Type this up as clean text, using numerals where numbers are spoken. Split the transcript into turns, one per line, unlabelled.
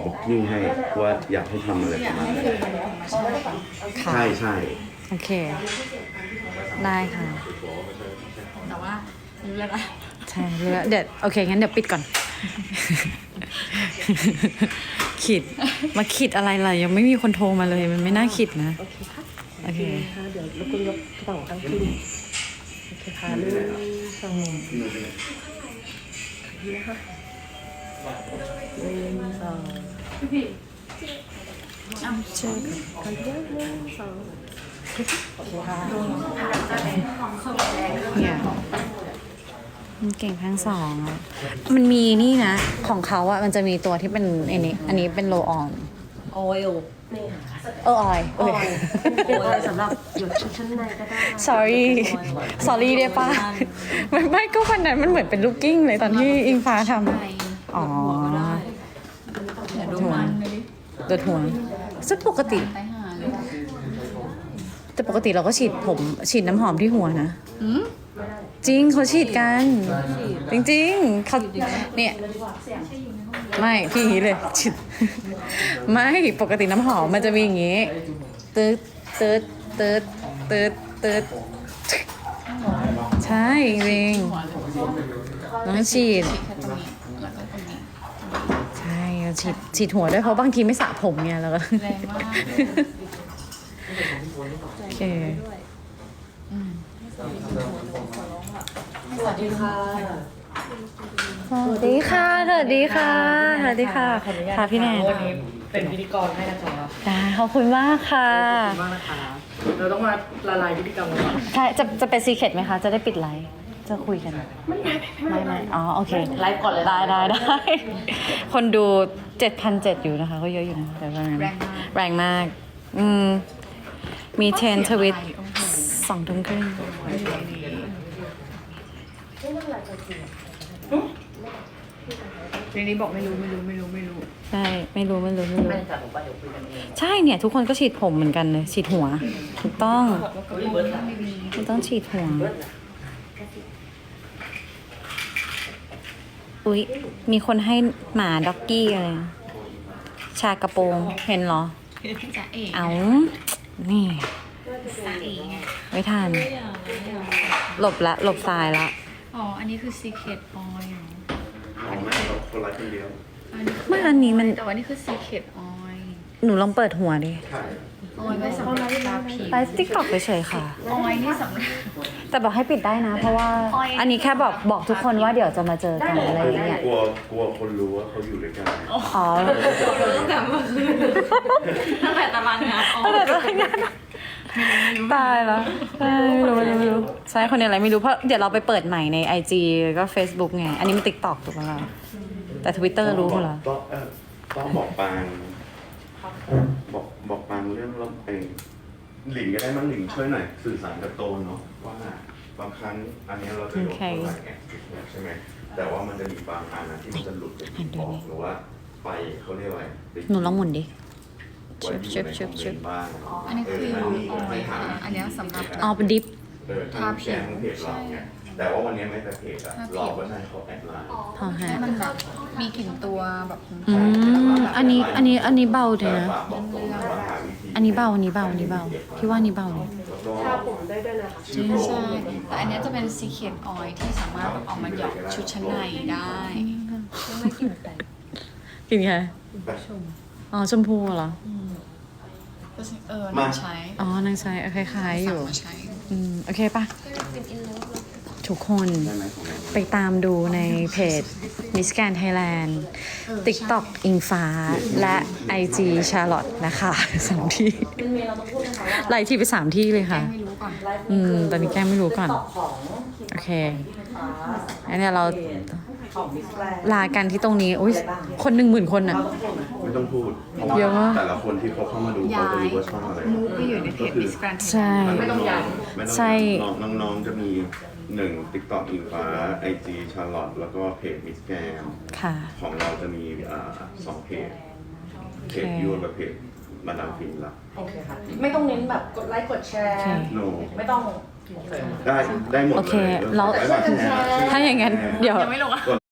บล็อกกิ้งให้ว่าอยากให้ทำอะไรประมาณไหน
ค่ะ
ใช่ใช่
โอเค ได้ค่ะ
แต่ว่ารู้แล้วนะ
ใช่เดี๋ยวโอเคงั้นเดี๋ยวปิดก่อน ขิดมาขิดอะไรล่ะยังไม่มีคนโทรมาเลยมันไม่น่าขิดนะ
โอเคค่ะ
โอเค
ค่ะเดี๋ยวรบกวนยกกระเป๋าตั้งขึ้นโอเคค่ะ1 2นี่นะคะ1 2
เชื่อ
กันเยอะ1 2โอเคค่ะ
เนี่ยมันเก่งทั้งสองอะมันมีนี่นะ ของเขาอะมันจะมีตัวที่เป็นอันนี้เป็นโลออน
ออยล์
ออยโอเค
เป็นออยล์สำหรับหยดชุดชั้นในก็ได้
sorry ได้ปะไม่ก็วันนั้นมันเหมือนเป็นลูกกิ้งเลยตอนที่อิงฟ้าทำอ๋อ
เดี๋ยวดูมันเลยดิ
โดดหัวซึ่งปกติ
ไปหาเลย
แต่ปกติเราก็ฉีดน้ำหอมที่หัวนะ จริงเขาฉีดกัน จริงๆเขาเนี่ย ไม่พี่อย่างนี้เลยฉีดไม่ปกติน้ำหอมมันจะมีอย่างงี้ตืดตืดตืดตืดตืดใช่จริงน้องฉีด
แค่ตรงนี้แล้วก็ตรงนี้
ใช่ฉีดหัวด้วยเพราะบางทีไม่สระผมไงแล้วก็
แรงมาก
โอเค
สวัสดีค่ะ
สวัสดีค่ะสวัสดีค่ะสวัสดีค่ะ
ขออนุญาต
ค่ะพี่แนน
วันนี้เป็นพิธีกรให้นะคะ
ได้ขอบคุณมากค่ะ
ขอบคุณมากนะคะ เราต้องมาละลายพฤติกรรมกันก่อน
ใช่จะเป็นซีเคร็ตไหมคะ จะได้ปิดไลฟ์จะคุยกันไม่อ๋อโอเค
ไลฟ์ก่อนเลย
ได้คนดู 7,700 อยู่นะคะก็เยอะอยู่นะแต่ว่าแรงมาก มีเทรนทวิต2 ทุ่มครึ่ง
ในนี้บอกไม่รู้
ใช่ไม่รู้
ไม่จัดผมว่าเดี๋ยวคุยกันเอง
ใช่เนี่ย ทุกคนก็ฉีดผมเหมือนกันเลยฉีดหัว ถูกต้องฉีดหัว อุ๊ย มีคนให้หมาด็อกกี้อะไรนะชากระโปรงเห็นเหรอ
จะเอ๋
เอานี่
จะเอ๋ไง
ไม่ทัน หลบทรายละ
อ๋อ อันนี้คือ Secret Oil
อ๋อไม่เราคนละคนเดียว
ไม่อันนี้มัน
แต่ว่านี่คือ Secret Oil
หนูลองเปิดหัวดิ
ใช่
ออยไว้สำหรับทาผิว
ไลฟ์ติ๊กต็อกเฉยๆค่ะ
ออยนี่สำหรับ
แต่บอกให้ปิดได้นะ เพราะว่า อันนี้แค่บอกทุกคนว่าเดี๋ยวจะมาเจอกันอะไรอย่างเงี้ย
กลัวคนรู้ว่าเขาอยู่ด้วยกัน
อ๋อ
ตั้งแต่ตารางงานออย
ตายแล้วใช่ไม่รู้ใช่คนเดียวอะไรไม่รู้เพราะเดี๋ยวเราไปเปิดใหม่ใน IG แล้วก็ Facebook ไง อันนี้มัน TikTok ถูกไหมล่ะแต่ Twitter รู้หมดแล้ว
ต้องบอกปางบอกปางเรื่องรถเองหลิงก็ได้มั้งหลิงช่วยหน่อยสื่อสารกับโตนเนาะว่าบางครั้งอันนี้เราจะยกตัวอย่างใช่ไหมแต่ว่ามันจะมีบางอันนะที่มันจะหลุดจากออกหรือว่าไปเขาเรียกว่า
หนูลองหมุนดิ
ไว้อยู่ในคอมเมนต์บ้าง
อันนี้คือออยค่ะอันนี้สำหรับ
อ๋อเป็นดิฟ
ทางแชร์ของเพจเราไงแต่ว่าวันนี้ไม่แต่เพจอะรอว่าให้เขาแอดไลน์
พอฮะ
ให้มันแบบมีกลิ่นตัวแบบ
อันนี้เบาเลยนะ
ฝากบอกตรงนะว่าหาวิธี
อันนี้เบาพี่ว่านี่เบาเลย
ทาผมได้ด้วยนะคะ
ชื่อโปร
ใช่แต่อันนี้จะเป็น Secret Oil ที่สามารถแบบเอามาหยอดชุดชั้นในได้
กินไงอ๋อชมพูเหรอ
นางใช้
อ๋อนางใช้คล้ายๆอยู่
สั่งมาใช้
โอเคปะทุกคน
ได้ไหมของเรา
ไปตามดูในเพจ Miss Grand Thailand TikTok อิงฟ้าและ IG Charlotte นะคะ3 ที่ไล่ที่ไป3 ที่เลยค่ะ
ไม่รู้ก่อน
ตอนนี้แก้ไม่รู้ก่อน
ของ
โอเคงั้นเดี๋ยวเรา
ของมิสแกรนด์
ลากันที่ตรงนี้อุ้ยคน10,000 คนอ่ะ
ไม่ต้องพูดเพราะ
เยอะมาก
ว่าแต่ละคนที่เขาเข้ามาดูเขาจะรู้ว่าช่องอะไร
มูฟไปอยู่ในเพจ Miss Grand
ใช่
ไม่ต้องย้
ไม่ต้อง
ใช่
น้องๆจะมี1 TikTok อิงฟ้า IG Charlotte แล้วก็เพจ Miss Gam
ค่ะ
ของเราจะมี2 เพจเพจยูกับเพจมาดามฟินละ
โอเคค่ะ ไม่ต้องเน้นแบบกดไลค์กดแชร์
โน
ไม่ต้อง
ได้หมด
โอ
เล
เค
ย
แล้ว
ได้หมดแชร์
ถ้าอย่างนั้นเดี๋ยว
ยังไม่ลงอ่ะ
กด